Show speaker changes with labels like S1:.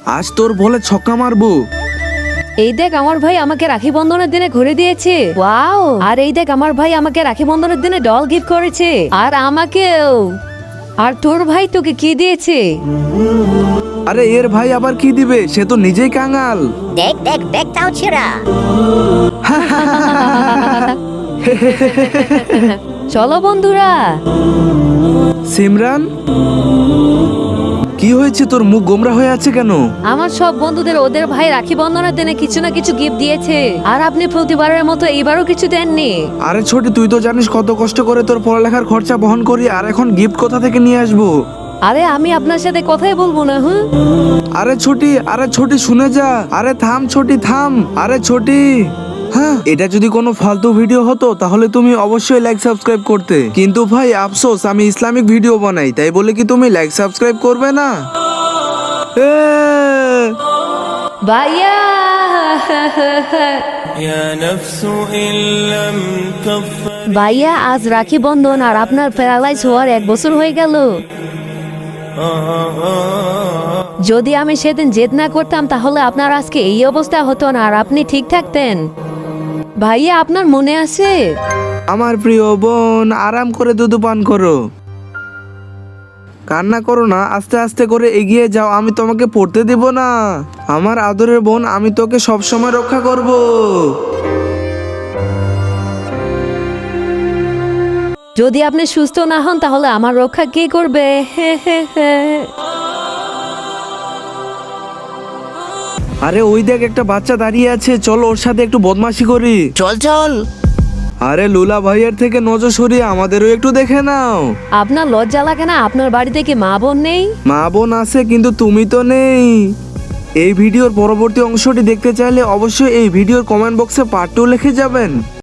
S1: আজ তোর বলে ছক্কা মারবো।
S2: এই দেখ আমার ভাই আমাকে রাখি বন্ধনের দিনে ঘুরে দিয়েছে। ওয়াও! আর এই দেখ আমার ভাই আমাকে রাখি বন্ধনের দিনে ডল গিফট করেছে। আর আমাকেও। আর তোর ভাই তোকে কি দিয়েছে?
S1: আরে এর ভাই আবার কি দিবে, সে তো নিজেই কাঙাল।
S3: দেখ দেখ দেখ তাও ছেড়া।
S2: চলো বন্ধুরা।
S1: সিমরান, কি হয়েছে, তোর মুখ গোমরা হয়ে আছে কেন?
S2: আমার সব বন্ধুদের ওদের ভাই রাখি বন্ধনের দিনে কিছু না কিছু গিফট দিয়েছে, আর আপনি প্রতিবারের মতো এইবারও কিছু দেননি।
S1: আরে ছোটি, তুই তো জানিস কত কষ্ট করে তোর পড়ালেখার খরচা বহন করি, আর এখন গিফট কোথা থেকে নিয়ে আসবো?
S2: আরে আমি আপনার সাথে কথাই বলবো না। হুঁ
S1: আরে ছোটি শুনে যা। আরে থাম ছোটি থাম। আরে ছোটি, হ্যাঁ, এটা যদি কোনো ফালতু ভিডিও হতো তাহলে তুমি অবশ্যই লাইক সাবস্ক্রাইব করতে, কিন্তু ভাই আফসোস আমি ইসলামিক ভিডিও বানাই, তাই বলে কি তুমি লাইক সাবস্ক্রাইব করবে না? এ
S2: ভাইয়া।
S4: يا نفس إن لم كفر
S2: ভাইয়া আজ রাখি বন্ধন, আর আপনার প্যারালাইজ হওয়ার 1 বছর হয়ে গেল। যদি আমি সেদিন জেদ না করতাম তাহলে আপনার আজকে এই অবস্থা হতো না, আর আপনি ঠিক থাকতেন। ভাইয়া আপনার মনে আছে?
S1: আমার প্রিয় বোন, আরাম করে দুধ পান করো, কান্না করো না, আস্তে আস্তে করে এগিয়ে যাও, আমি তোমাকে পড়তে দেব না। আমার আদরের বোন, আমি তোকে সব সময় রক্ষা করব।
S2: যদি আপনি সুস্থ না হন তাহলে আমার রক্ষা কে করবে?
S1: আরে ওই দেখ একটা বাচ্চা দাঁড়িয়ে আছে, চল ওর সাথে একটু বদমাশি করি।
S3: চল চল।
S1: আরে লুলা ভাইয়ের থেকে নজর সরিয়ে আমাদেরও একটু দেখে নাও।
S2: আপনার লজ্জা লাগে না? আপনার বাড়িতে কি মা বোন নেই?
S1: মা বোন আছে, কিন্তু তুমি তো নেই। এই ভিডিওর পরবর্তী অংশটি দেখতে চাইলে অবশ্যই এই ভিডিওর কমেন্ট বক্সে পার্ট 2 লিখে যাবেন।